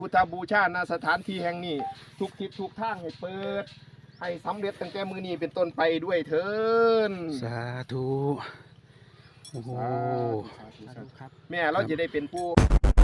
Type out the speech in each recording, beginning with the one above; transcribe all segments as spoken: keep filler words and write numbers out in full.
พุทธบูชาณสถานที่แห่งนี้ทุกทิศทุกทางให้เปิดให้สำเร็จตั้งแต่มือนี้เป็นต้นไปด้วยเถิดสาธุโอ้โหแม่เราจะได้เป็นผู้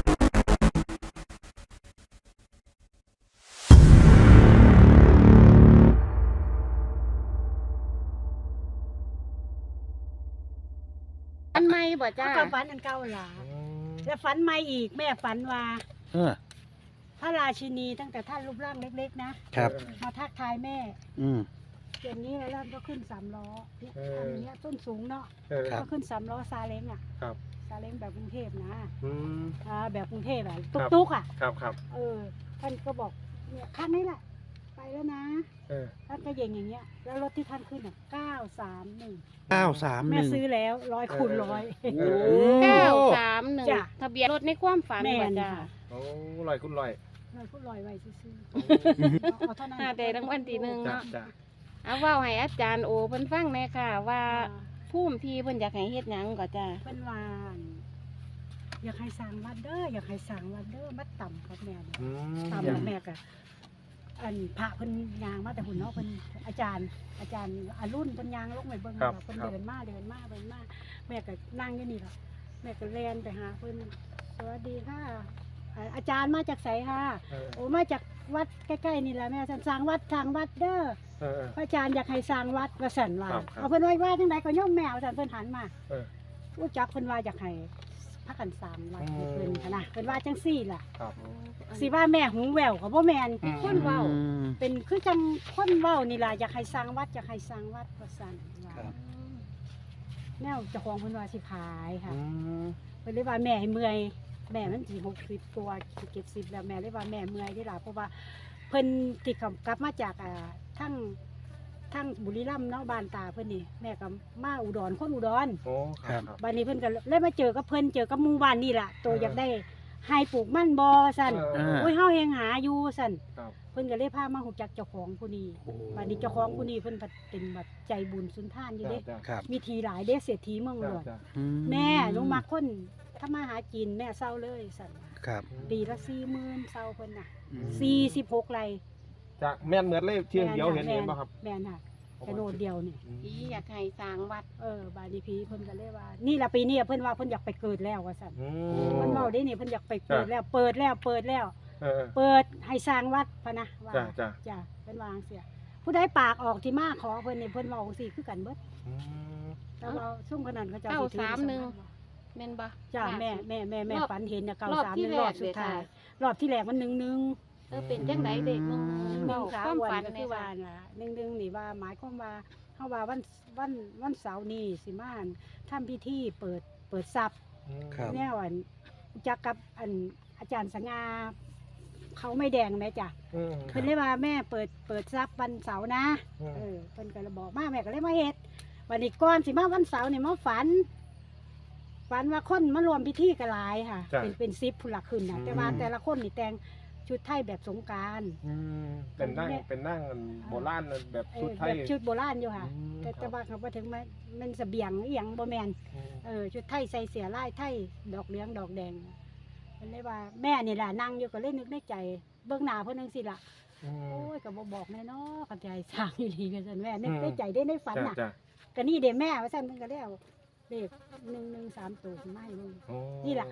ฝันใหม่บ่จ้าก็ฝันอันเก่าหลาแล้วฝันใหม่อีกแม่ฝันว่าเออพระราชินีตั้งแต่ท่านรูปร่างเล็กๆนะครับ มาทักทายแม่อืมอย่างนี้แล้วก็ขึ้นสามล้อที่ทำอย่างเงี้ยต้นสูงเนาะครับก็ขึ้นสามล้อซาเล้งอ่ะครับซาเล้งแบบกรุงเทพนะอืมอ่าแบบกรุงเทพอะตุ๊กๆอ่ะครับครับเออท่านก็บอกเนี่ยคันนี้แหละไปแล้วนะเออท่านก็เย่งอย่างเงี้ยแล้วรถที่ท่านขึ้นอ่ะเก้าสามหนึ่งเก้าสามหแม่นึ่งซื้อแล้วร้อยคูณร้อยโอ้เก้าสามหนึ่งจ้ะทะเบียนรถในความฝันแม่บ่นจ้าค่ะโอ้ลอยคุณลอยร้อยคูณร้อยไว้ซื้อๆเอาเท่านั้นหาได้รางวัลที่หนึ่งจ้ะเนาะจ้ะเอาเว้าให้อาจารย์โอเพิ่นฟังแน่ค่ะ ว่าอ่าภูมิที่เพิ่นอยากให้เฮ็ดหยังก็จ้าเป็นวานอยากให้สร้างวัดเด้ออยากให้สร้างวัดเด้อมัดต่ำกับแม่เนี่ยอืมต่ำกับแม่กะอันพระเพิ่นยางมาแต่หุ่นเนาะเพิ่นอาจารย์ อาจารย์อารุ่นเพิ่นยางลงไปเบิ่งว่าเพิ่นเดินมาเดินมาเดินมาแม่ก็นั่งอยู่นี่ล่ะแม่ก็แล่นไปหาเพิ่นสวัสดีค่ะอ่าอาจารย์มาจากไสค่ะเออโอ้มาจากวัดใกล้ๆนี่แหละแม่ท่านสร้างวัดสร้างวัดเด้อเออเออพระอาจารย์อยากให้สร้างวัดว่าสั่นว่าครับครับเอาเพิ่นไว้ว่าจังไดก็ย่อมแมวสั่นเพิ่นหันมาเออรู้จักเพิ่นว่าอยากให้พักกันสร้างวัดให้เพิ่นอืมหั้นนะเพิ่นว่าจังซี่ล่ะครับสิว่าแม่หูแววก็บ่แม่นอืมคนเว้าอืมเป็นคือจังคนเว้านี่ล่ะอยากให้สร้างวัดอยากให้สร้างวัดว่าซั่นว่าครับแนวเจ้าของเพิ่นว่าสิขายค่ะอืมเพิ่นเลยว่าแม่ให้เมื่อยแม่มันสิหกสิบกว่าเจ็ดสิบแล้วแม่เลยว่าแม่เมื่อยได้ล่ะเพราะว่าเพิ่นติดกลับมาจากอ่าทั้งทั้งบุรีรัมย์เนาะบ้านตาเพิ่นนี่แม่ก็มาอุดรคนอุดรโอ้ครับครับบ้านนี้เพิ่นก็เลยมาเจอกับเพิ่นเจอกับหมู่บ้านนี่ล่ะตัวเอออยากได้ให้ปลูกมันบ่ซั่นเออโอ้ยเฮายังหาอยู่ซั่นครับเพิ่นก็เลยพามาฮู้จักเจ้าของผู้นี้โอ้บ้านนี้เจ้าของผู้นี้เพิ่นก็เป็นแบบใจบุญสุนทานอยู่เด้จ้ะครับมีทีหลายเด้เศรษฐีเมืองหลจ้ะวงจ้ะอืแม่หนูมักคนถ้ามาหากินแม่เศร้าเลยซั่นครับปีละสี่หมื่นเศร้าเพิ่นน่ะอืมสี่สิบหกไร่จากแม่นเหมือนเลยเที่ยงเดียวเห็นเห็นป่ะครับแม่นค่ะแต่โนดเดียวนี่พี่อยากให้สร้างวัดเออบานนี้พี่เพิ่นก็เลยว่า นี่ล่ะปีนี้เพิ่นว่าเพิ่นอยากไปเกิดแล้วว่าซั่นอืเพิ่นเว้าได้นี่เพิ่นอยากไปเกิดแล้วเปิดแล้วเปิดแล้วเออเปิดให้สร้างวัดพะนะว่าจ้ะจ้ะจ้ะเพิ่นวาจั่งเสียผู้ใดปากออกที่มาขอเพิ่นนี่เพิ่นเว้าจังซี่คือกันเบิดอืมแต่ว่าซุ่มคนนั้นเขาเจะเก้าสามหนึ่ง แม่นบ่จ้ะแม่แม่แม่แม่รอบฝันเห็นน่ะเก้ารอบสามที่หนึ่งแรรอก บสุดเลยท้ายค่ะรอบที่แรกมันหนึ่งหนึ่งเออเป็นจังไดเด็กมึงหนึ่งเว้าขาความอ้วนฝันก็ในคือว่าว่าน่ะหนึ่งหนึ่งนี่ว่าหมายความว่าเฮาว่าวันวันวันเสาร์นี้สิมาอั่นทำพิธีเปิดเปิดทรัพย์ครับแนวอันจักกับอันอาจารย์สง่าเขาไม่แดงแม่จ้ะอืมเพิ่นเลยว่าแม่เปิดเปิดทรัพย์วันเสาร์นะอืมเออเพิ่นก็เลยบอกมาแม่ก็เลยมาเฮ็ดวันนี้ก่อนสิมาวันเสาร์นี่มาฝัน ฝันว่าคนมารวมพิธีกันหลายค่ะจ้ะเป็นเป็นซิปผู้หลักขึ้นนะอืมแต่ว่าแต่ละคนนี่แต่งชุดไทยแบบสงกรารอืมเป็นนั่งเป็นนั่งโบราณแบบชุดไทยแบบชุดโบราณอยู่ค่ะอืมแต่คแต่รับว่าเขาบ่ถึงมันมันเสบียงอีหยังบ่แม่นอืมเออชุดไทยใส่เสียลายไทยดอกเหลืองดอกแดงเพิ่นเลยว่าแม่นี่ล่ะนั่งอยู่ก็เลยนึกในใจเบื้องหน้าเพิ่นจังซี่ล่ะอืมโอ้ยก็บ่บอกแน่เนาะกันใจสร้างอีหลีกันซั่นแม่นึกอืมในใจได้ในฝันจ้ะน่ะจ้ะก็นี่เด้แม่ว่าซั่นเพิ่นก็แล้วเลขหนึ่งหนึ่งสามตัวขึ้นมาให้เบิ่งโอ้นี่ล่ะ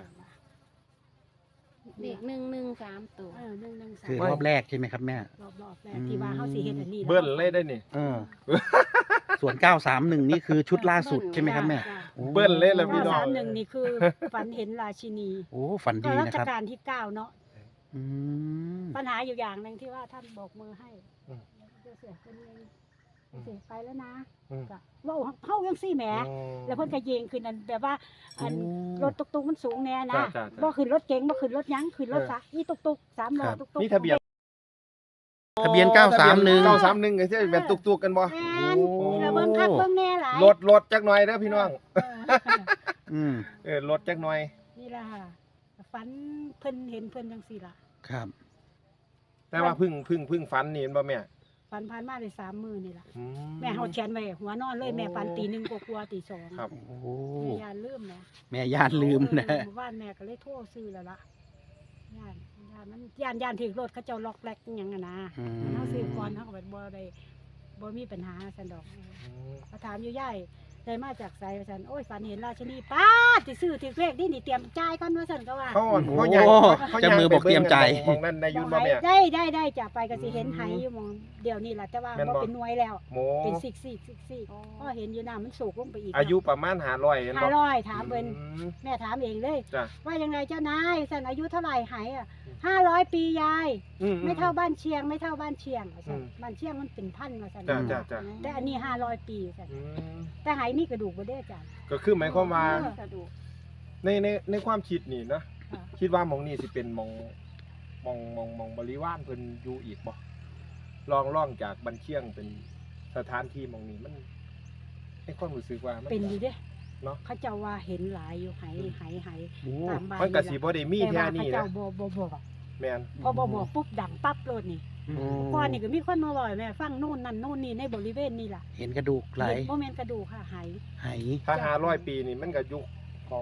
เด็กหนึ่งหนึ่งสามตัวเออหนึ่งหนึ่งสามคือรอบแรกใช่ไหมครับแม่รอบรอบแรกที่ว่าเฮาสิเฮ็ดอันนี้นะเบิ้ลเลยได้นี่เออ ส่วนเก้าสามหนึ่งนี่คือชุดล่าสุดใช่ไหมครับแม่จ้ะโอ้เบิ้ลเลยล่ะพี่เก้าน้องสามหนึ่งนี่คือฝันเห็นราชินีโอ้ฝันก็ดีรันะชครับกาลที่เก้าเนาะอืมปัญหาอยู่อย่างหนึงที่ว่าท่านโบกมือให้อืมเสียเสียเป็นไงเสียไปแล้วนะอืมก็เว่าเฮายังซี่แหม แล้วเพิ่นก็ยิงขึ้นนั่นแบบว่าอันโอ้รถตุกๆมันสูงแน่นะจ้ะจ้ะจ้ะบ่ขึ้นรถเก๋งบ่ขึ้นรถหยังขึ้นรถเออซะอีตุกๆสามล้อครับตุกๆนี่ทะเบียนทะเบียนเก้าสามหนึ่งเก้าสามหนึ่งก็ใช่แบบตุกๆกันบ่แม่นโอ้นี่ละเบิ่งคักเบิ่งแน่หลายรถรถจักหน่อยเด้อพี่น้องเอออืมเออรถจักหน่อยนี่ล่ะค่ะฝันเพิ่นเห็นเพิ่นจังซี่ล่ะครับแต่ว่าพึ่งพึ่งพึ่งฝันนี่เห็นบ่แม่ฝันผ่านมาได้สามมื้อนี่ล่ะอืแม่เฮาเขียนไว้หัวนอนเลยแม่ฝันตีหนึ่งกว่าๆตีสองครับโอ้แม่ยานลืมนะแม่ย่านลืมนะหมู่บ้านแม่ก็เลยโทรซื้อแล้วล่ะย่านย่ย่านมันย่านย่านถึงรถเขาเจ้าล็อกแลกอิหยังอะนะอืมเฮาซื้อก่อนเฮาก็บ่บ่ได้บ่มีปัญหาซั่นดอกเขาถามอยู่ยายได้มาจากไสว่าซั่นโอ้ยฝันเห็นราชินีป้าดสิซื้อถึกเลขนี่นี่เตรียมจ่ายก่อนว่าซั่นก็ว่าเขาอ่อนโอ้เขาใหญ่เขาเจ้ามือบอกเตรียมใจมองนั่นในยุนบ่แม่ได้ได้ได้จะไปก็สิเห็นไหอยู่หมองเดี๋ยวนี้ล่ะแต่ว่าแม่นบ่บ่เป็นหน่วยแล้วโมเป็นซิกซิกซิกซิกก็เห็นอยู่น้ามันสูงลงไปอีกอายุประมาณห้าร้อยเห็นห้าบ่ร้อยถามเพิ่นอืมแม่ถามเองเลยจ้ะว่ายังไงเจ้านายสันอายุเท่าไหร่หายอ่ะห้าร้อยปียายอืไม่เท่าบ้านเชียงไม่เท่าบ้านเชียงว่าซั่นอืมบ้านเชียงมันเป็นพันมาสันจ้ะจ้ะจ้ะแต่อันนี้ห้าร้อยปีสันอืมแต่หายมีกระดูกบ่ได้จ้ะก็คือหมายความว่ากระดูกในในในความคิดนี่นะค่ะคิดว่าหมองนี่สิเป็นหมองหมองหมองหมองบริวารเพิ่นอยู่อีกบ่ลองล่องจากบันเชียงเป็นสถานที่หมองนี้มันในความรู้สึกว่ามันเป็นอยู่เด้เนาะเขาเจ้าว่าเห็นหลายอยู่หายหายหายโอ้ตามบ้านมันก็สิบ่ได้มีแต่แค่ว่าเขานี้เจ้านะบ่บ่บอกแม่นพอบ่บอกปุ๊บดังปั๊บโลดนี่โอ้ก่อนนี่ก็มีคนมาบอกให้แม่ฟังโน่นนั่นโน่นนี่ในบริเวณนี่ล่ะเห็นกระดูกไหลบ่แม่นกระดูกค่ะหายไหถ้าห้าร้อยปีนี่มันก็ยุคของ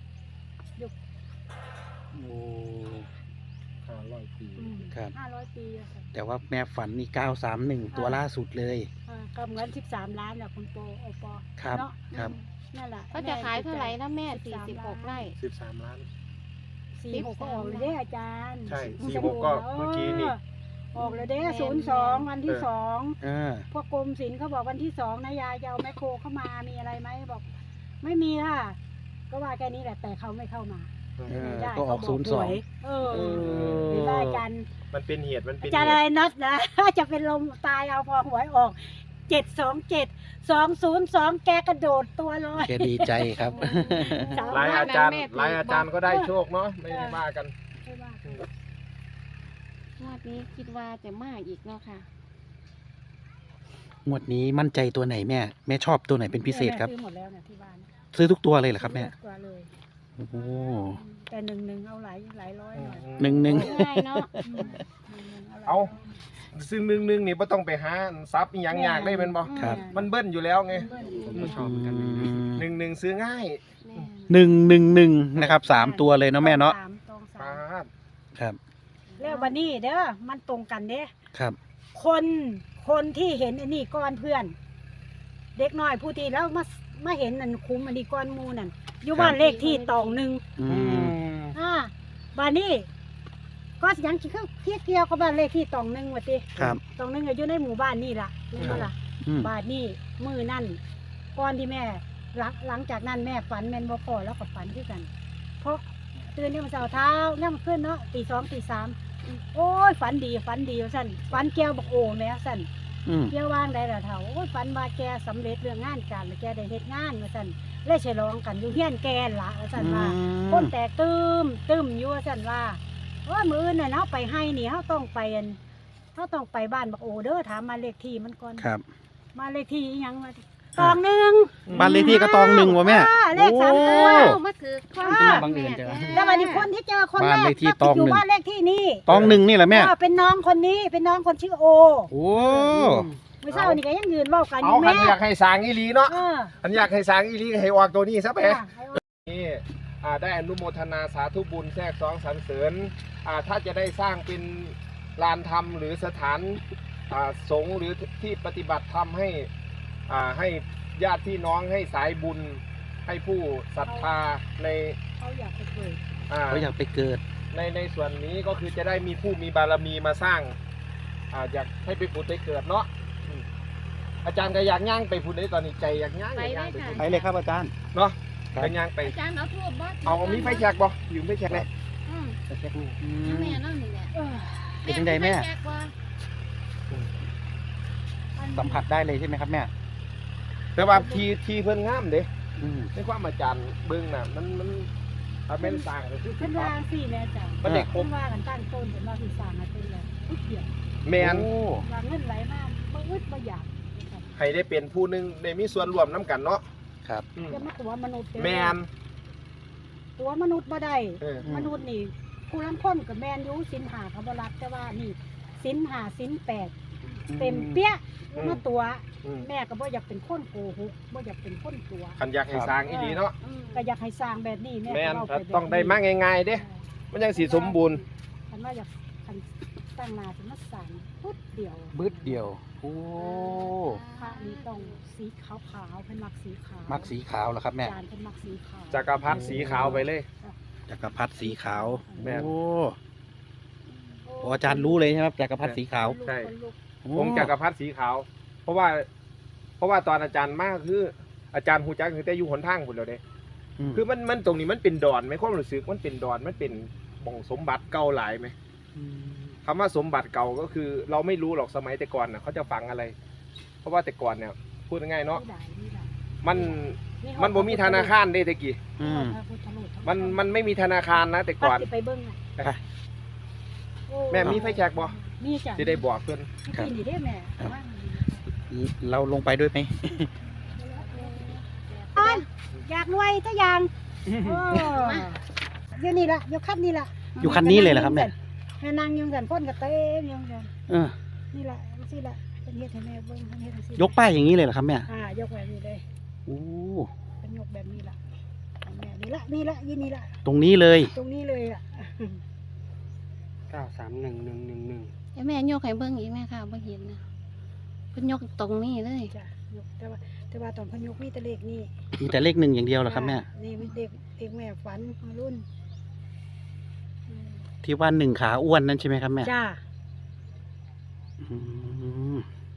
โอ้ห้าร้อยปีอืมครับห้าร้อยปีอะค่ะแต่ว่าแม่ฝันนี่เก้าสามหนึ่งตัวล่าสุดเลยอ่าก็เหมือนสิบสามล้านน่ะคุณโปโอปอครับเนาะครับนั่นแหละเขาจะขายเท่าไหร่นะแม่สิบสี่สามสิบหกล้านไร่สิบสามล้านสี่หกก็ออกเลยเด้อาจารย์ใช่มันสี่จะหกก็เมื่อกี้นี่ออกเลยเด้ศูนย์สองวันที่สองเออพวกกรมศิลป์เขาบอกวันที่สองนะยายจะเอาแมคโครเข้ามามีอะไรไหมบอก ไม่มีค่ะ ก็ว่าแค่นี้แหละแต่เขาไม่เข้ามาเออได้ก็ออกเขาบศูนย์สองหวยเออเออเห็นว่าอาจารย์มันเป็นเหตุมันเป็นอาจารย์เหอะไรตุน็อตนะ จะเป็นลมตายเอาพอหวยออกเจ็ดสองเจ็ดสองศูนย์สองแกกระโดดตัวลอยแกดีใจครับสามหลายล้นอาจารย์แม่หลายอาจารย์ก็ได้โชคเนาะไม่ได้ว่ากันไม่ว่ากันงวดนี้คิดว่าจะมากอีกเนาะค่ะงวดนี้มั่นใจตัวไหนแม่ แม่ชอบตัวไหนเป็นพิเศษครับซื้อหมดแล้วนะที่บ้านซื้อทุกตัวเลยเหรอครับแม่กว่าเลยโอ้โหแต่หนึ่งหนึ่งเอาหลายหลายร้อยหน่อยหนึ่งหนึ่งง่ายเนาะอืมหนึ่งหนึ่งหลยร้ยเอา ซึ่งหนึ่งหนึ่งนี่บ่ต้องไปหาซับอีหยังยากได้เป็นบ่ครับมันเบิ้ลอยู่แล้วไงเบิ้ลผมก็ชอบเหมือนกันอืมหนึ่งหนึ่งซื้อง่ายแม่หนึ่งหนึ่งหนึ่งนะครับสามตัวเลยเนาะแม่เนาะสามตองสาปาม ดครับแล้ววันนี้เด้อมันตรงกันเด้ครับคนคนที่เห็นอันนี้ก้อนเพื่อน เด็กน้อยผู้ที่แล้วมามาเห็นนั่นคุ้มอันนี้ก้อนหมูนั่นอยู่บ้านเลขที่ตองหนึ่งอืมอ่าบ้านนี้ก็สิยังคือเพียเกี่ยวกับบ้านเลขที่ตองหนึ่งว่าติครับตองหนึ่งก็อยู่ในหมู่บ้านนี่ล่ะนี่บ่ล่ะอืมบ้านนี้มือนั่นก่อนที่แม่หลังหลังจากนั้นแม่ฝันแม่นบ่พอแล้วก็ฝันคือกัน เพราะตื่นเนี่ยามมันเช้าเท้าย่ำขึ้นเนาะตีสองตีสามโอ้ยฝันดีฝันดีว่าสั่นฝันแก้วบอกโอ้แม่สั่นอืมเกี่ยวว่างได้ละเท่าโอ้ยฝันว่าแกสำเร็จเรื่องงานการแล้วแกได้เฮ็ดงานว่าซั่นเลยฉลองกันอยู่เฮียนแกนละว่าซั่นว่าคนแตกตื้มตื้มอยู่ว่าซั่นว่าโอ้ยมื้ออื่นน่ะเนาะไปให้นี่เฮาต้องไปอันเฮาต้องไปบ้านบักโอเด้อถามมาเลขที่มันก่อนครับมาเลขที่อีหยังมาตองหนึ่งบ้านเลขที่ก็ตองหนึ่งวะแม่อ่าเลขสามตัวโอ้เอามาถือความอ่าบังเอิญจังแล้ววันนี้คนที่เจอคนแรบ้านกเลขที่ก็ตองหนึ่งอยู่บ้านเลขที่นี่ตองหนึ่งนี่แหละแม่อ่าเป็นน้องคนนี้เป็นน้องคนชื่อโอโอ้เมื่อเช้านี่ก็ยังยืนเว้ากันอเอายู่คันแม่อยากให้สร้างอีหลีเนาะเอออันอยากให้สร้างอีหลีก็ให้ออกตัวนี้ซะไปอ่าให้เอานี่อ่าได้อนุโมทนาสาธุบุญแทรกซ้องสรรเสริญอ่าถ้าจะได้สร้างเป็นลานธรรมหรือสถานอ่าสงฆ์หรือที่ปฏิบัติธรรมให้อ่าให้ญาติพี่น้องให้สายบุญให้ผู้ศรัทธาในเขาอยากไปเกิดอ่าเขาอยากไปเกิดในในส่วนนี้ก็คือจะได้มีผู้มีบารมีมาสร้างอ่าอยากให้ไปผุดไปเกิดเนาะอืมอาจารย์ก็อยากย่างไปผุดได้ตอนนี้ใจอยากย่างอยากย่างไปผุดไปเลยครับอาจารย์เนาะครับไปย่างไปอาจารย์เอาทูบบ่เอามีไฟแฉกบ่อยู่ไฟแฉกเลยอืมอืเอามแม่นั่นนี่แหละเออเป็นจังใดแม่ไฟแจกบ่สัมผัสได้เลยใช่ไหมครับแม่แต่ว่าทีทีเพิ่นงามเด้อืมในความอาจารย์เบิ่งน่ะมันมันถ้าเป็นสร้างก็คือเพิ่นว่าสิแม่จ้ะมันได้ครเพิ่บนว่ากันตั้งต้นเพิ่นว่าสิสร้างให้เป็นแล้วทุกเดียวแม่นโอ้ว่าเงินไหลมาบ่อึดบ่อยากให้ได้เป็นผู้หนึงได้มีส่วนร่วมนํกันเนาะครับอืมจะมาตัวมนุษย์เด้อแม่นตัวมนุษย์บ่ได้เออมนุษย์นี่ผู้ลางคนก็แม่นอยู่ศีลห้าเขาบ่รับแต่ว่านี่ศีลห้าศีลแปดเต็มเปี้ยมาตัวอืมแม่ก็บ่อยากเป็นคนโกหกบ่อยากเป็นคนตัวคันอยากให้สร้างอีหลีเนาะอืมก็อยากให้สร้างแบบนี้แม่แม่นก็เว้าถ้าไปแบบต้องได้มาง่ายๆเด้มันจังสิสมบูรณ์คันว่าอยากคันตั้งนาจะมาสั่งปุ๊บเดียวบึดเดียวโอ้พระนี้ต้องสีขาวขาวๆเป็นมักสีขาวมักสีขาวเหรอครับแม่อาจารย์เป็นมักสีขาวจักรพรรดิสีขาวไปเลยจักรพรรดิสีขาวแม่นโอ้โอ้อาจารย์รู้เลยใช่ไหมจักรพรรดิสีขาวใช่คนลุกโอ้องค์จักรพรรดิสีขาว เพราะว่า เพราะว่าตอนอาจารย์มากคือ อาจารย์ฮูจักคือแต่อยู่หนทางพุ่นแล้วเด้อืมคือมันมันตรงนี้มันเป็นดอนไหมความรู้สึกมันเป็นดอนมันเป็นบ่องสมบัติเก่าหลายไหมมคำว่าสมบัติเก่าก็คือ เราไม่รู้หรอกสมัยแต่ก่อนน่ะเขาจะฝังอะไร เพราะว่าแต่ก่อนเนี่ยพูดง่ายๆเนาะนี่ได้นี่ได้มันมันบ่มีธนาคารเด้แตะกี้อืมพระพุทธรูปทั้งมันมันไม่มีธนาคารนะแต่ก่อนพระสิไปเบิ้งน่ะไปโอ้แม่มีไฟแช็กบ่มีจ้ะสิได้บอกเพิ่นครับมีนี่ได้แม่ครับว่าเราลงไปด้วยไหมอ้อนอยากรวยทุกอย่างโอ้เดี๋ยวนี้ละเดี๋ยวคันนี้ละอยู่คันนี้เลยเหรอครับแม่แม่นางยังกันพ่นกับเต้มยังกันเออนี่ละสิละเป็นเฮ็ดให้แม่เบิ่งเป็นเฮ็ดให้สิยกป้ายอย่างนี้เลยเหรอครับแม่อ่ายกแบบนี้เลยโอ้เป็นยกแบบนี้ละให้แม่นี่ละนี่ละยี่นี่ละตรงนี้เลยตรงนี้เลยอ่ะเก้าสามหนึ่งหนึ่งหนึ่งหนึ่งเดี๋ยวแม่ยกให้เบิ่งอีกแม่ค่ะบ่เห็นนะเพิ่นยกตรงนี้เลยจ้ะยกแต่ว่าแต่ว่าตอนเพิ่นยกมีแต่เลขนี่มีแต่เลขหนึ่งอย่างเดียวเหรอครับแม่นี่มีเด็กเด็กแม่ฝันมารุ่นอืมที่ว่าหนึ่งขาอ้วนนั่นใช่ไหมครับแม่จ้าอืม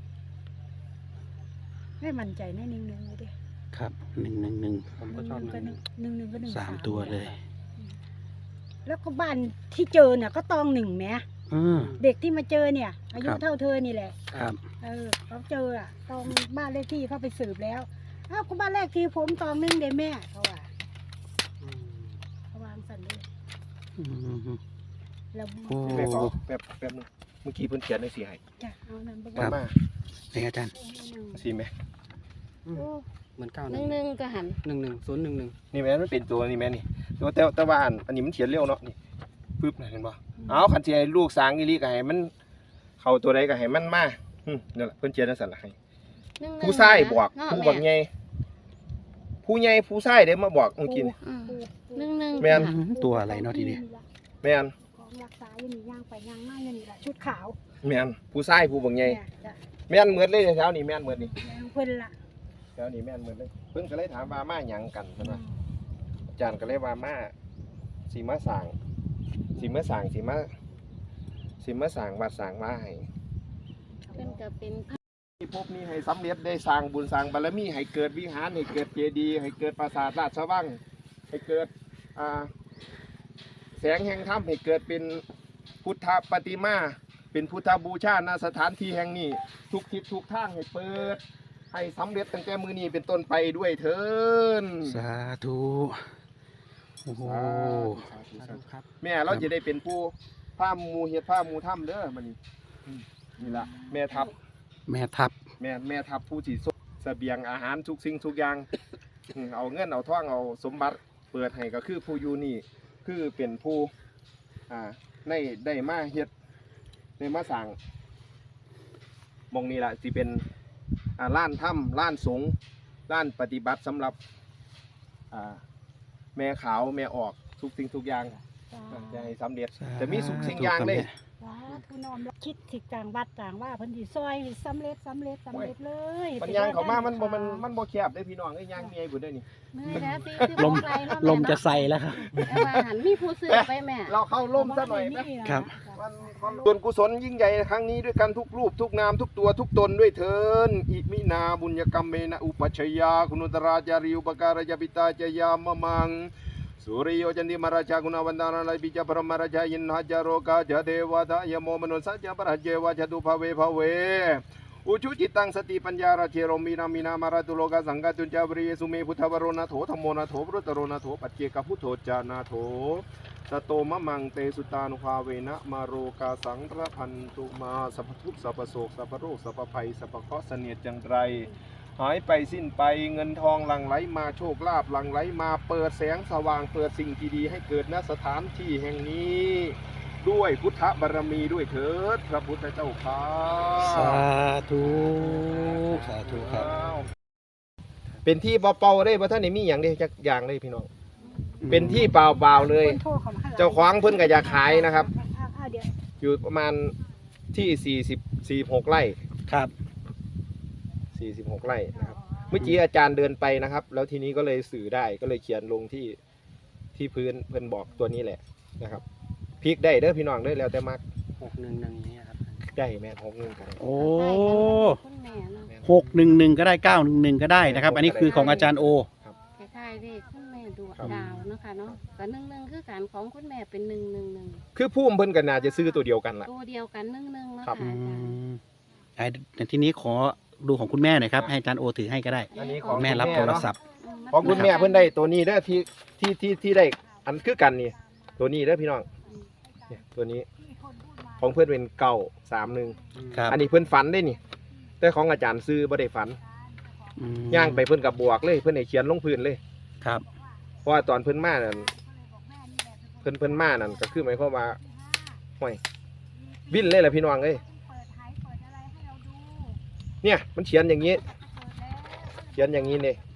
แม่มั่นใจแน่หนึ่งหนึ่งเลยดิครับหนึ่งหนึ่งหนึ่งผมก็ชอบหก็นึ่งหนึ่งหนึ่งหนึ่งก็หนึ่งสามตัวเลยแล้วก็บ้านที่เจอเนี่ยก็ตองหนึ่งแหมอืมเด็กที่มาเจอเนี่ย อายุครับเท่าเธอนี่แหละครับเออเขาเจออะตองบ้านเลขที่เขาไปสืบแล้วอ้าวก็บ้านเลขที่ผมตองหนึ่งเด้แม่เขาว่าอืมเขาวางสันเลยอืมแล้วโอ้แม่ขอแป๊บแป๊บนึงเมื่อกี้เพิ่นเขียนให้สิให้จ้ะเอานั่นไปครัมาบมานี่อาจารย์สิแม่อืมโอ้เหมือนเก้าหหนึ่นึ่งงหนึ่งก็หันหนึ่งหนึ่งศูนย์หนึ่งหนึ่งนี่แม่มันเป็นตัวนี่แม่นี่ตัวแต่แต่ว่าอันอันนี้มันเขียนเร็วเนาะนี่ปึ๊บน่ะเห็นบ่เอาคันสิให้ลูกสร้างอีหลีก็ให้มันเข้าตัวใดก็ให้มันมาอืมนั่นแหละเพิ่นเขียนจังซั่นล่ะให้หนึ่งหนึ่งผู้ชายบอกเนาะผู้แม่บักใหญ่ผู้ใหญ่ผู้ชายเด้มาบอกเมื่อกี้นี่อืมหนึ่งหนึ่งแม่นค่ะตัวอะไรเนาะทีนี้แม่นของรักษาอยู่นี่ย่างไปย่างมาอยู่นี่แหละชุดขาวแม่นผู้ชายผู้บักใหญ่เนี่ยจ้ะแม่นเหมือนเลยแถวนี้แม่นเหมือนนี่แม่ของเพิ่นละแถวนี้แม่นเหมือนเลยเพิ่นก็เลยถามว่ามาหยังกันเพิ่นว่าอาจารย์ก็เลยว่ามาสิมาสร้างสิมาสร้างสิมาสิมาสร้างวัดสร้างว่าให้เพิ่นก็เป็นพระที่พบนี้ให้สำเร็จได้สร้างบุญสร้างบารมีให้เกิดวิหารให้เกิดเจดีย์ให้เกิดปราสาทราชวังให้เกิดอ่าแสงแห่งธรรมให้เกิดเป็นพุทธปฏิมาเป็นพุทธบูชาณสถานที่แห่งนี้ ทุกทิศทุกทางให้เปิด ให้สำเร็จตั้งแต่มือนี้เป็นต้นไปด้วยเถินสาธุโอ้โหสาธุสาสาธุธุครับแม่เราจะได้เป็นผู้ผ้าหมูเฮ็ดผ้าหมูถ้ำเด้อมันนี่อืมนี่ละแม่ทัพแม่ทับแม่แม่ทัพผู้ที่ส่งเสบียงอาหารทุกสิ่งทุกอย่าง อืมเอาเงินเอาทองเอาสมบัติเปิดให้ก็คือผู้อยู่นี่คือเป็นผู้อ่าได้ได้มาเฮ็ดได้มาสั่งหมองนี้ละสิเป็นอ่าล้านถ้ำล้านสงฆ์ล้านปฏิบัติสำหรับอ่าแม่ขาวแม่ออกทุกสิ่งทุกอย่างจ้าอ่าจะให้สำเร็จสาธุจะมีสุขสิ่งอย่างเลยครับสาธุน้อมรับคิดสิต่างวัดต่างว่าเพิ่นสิซอยให้สำเร็จสำเร็จสำเร็จเลยปัญญางเขามามันบ่มันมันบ่แคบได้พี่น้องเอ้ยย่างเมียบุญได้นี่มือแล้วสิสิลมบ่ไกเนาะลแม่มเนาจะใส่แล้วครับแต่ว่าหันมีผู้ซื้อไปแม่เราเข้าร่มซะหน่อยไหมครับวันส่วนกุศลยิ่งใหญ่ครั้งนี้ด้วยกันทุกรูปทุกนามทุกตัวทุกตนด้วยเถินอิมินาบุญญกรรมเมนะอุปัชฌยาคุณุตราจาริอุปการยปิตาจยามะมังสุริโยจันติมราชากุณวันดานาลายปิจพรหมราชายินหจโรกาจเทวดายโมมนุสัจจปรหเจวะจตุภเวภเวอุชุจิตังสติปัญญาราเชโรมีนามีนามาราตุโลกาสังกัจุนจาบริเยสุเมพุทธวโรนาโถธรรมโมนาโถพรุตโรนาโถปัจเจกพุทโธจานาโถสโตมะมังเตสุตานุภาเวนะมาโรกาสังระพันตุมาสัพทุกข์สัพโศกสัพโรคสัพภัยสัพเคราะห์เสนียดจังไรหายไปสิ้นไปเงินทองหลั่งไหลมาโชคลาภหลั่งไหลมาเปิดแสงสว่างเปิดสิ่งที่ดีให้เกิดณสถานที่แห่งนี้ ด้วยพุทธบารมีด้วยเถิดพระพุทธเจ้าข้าสาธุสาธุครับเป็นที่เป่าๆได้บ่ท่านนี่มีอย่างเดียวจักอย่างเลยพี่น้องเป็นที่เปล่าๆเลยคนโทรเข้ามาหเจ้าของเพิ่นก็อยากขายนะครับอ่าอ่าเดี๋ยวอยู่ประมาณที่สี่สิบสี่หกไร่ครับสี่สิบหกไร่นะครับเมื่อกี้อาจารย์เดินไปนะครับ แล้วทีนี้ก็เลยสื่อได้ก็เลยเขียนลงที่ที่พื้นเพื่อนบอกตัวนี้แหละนะครับพลิกได้เด้อพี่น้องเด้อแล้วแต่มักหกหนึ่งหนึ่งนี่ครับได้แม่นหกหนึ่งกันโอ้คุณแม่เนาะแม่นหกหนึ่งหนึ่งก็ได้เก้าหนึ่งหนึ่งก็ได้นะครับ อันนี้คือของอาจารย์โอคล้ายๆเลขคุณแม่ดวงครับดาวเนาะค่ะเนาะกับหนึ่งหนึ่งคือการของคุณแม่เป็นหนึ่งหนึ่งหนึ่งคือพุ่มเพิ่นกันน่าจะซื้อตัวเดียวกันล่ะตัวเดียวกันหนึ่งหนึ่งเนาะครัค่ะบอือาจารย์มไอ้ทีนี้ขอดูของคุณแม่หน่อยครับ ให้อาจารย์โอถือให้ก็ได้อันนี้ของแม่รับโทรศัพท์มของคุณแม่เพิ่นได้ตัวนี้เด้อที่ที่ที่ที่ได้อันคือกันนี่ตัวนี้เด้อพี่น้องเนี่ยตัวนี้ของเพื่อนเป็นเก่าสามหนึ่งครับอันนี้เพื่อนฝันได้นี่แต่ของอาจารย์ซื้อบ่ได้ฝันอืมย่างไปเพื่อนกับบวกเลยเพื่อนให้เขียนลงพื้นเลยครับเพราะว่าตอนเพื่อนมานั่นเพื่อนเพื่อนมานั่นก็คือหมายความว่าห่วยวิ่นเลยแหละพี่น้องเอ้ยเนี่ยมันเขียนอย่างนี้ เขียนอย่างนี้เนี่ย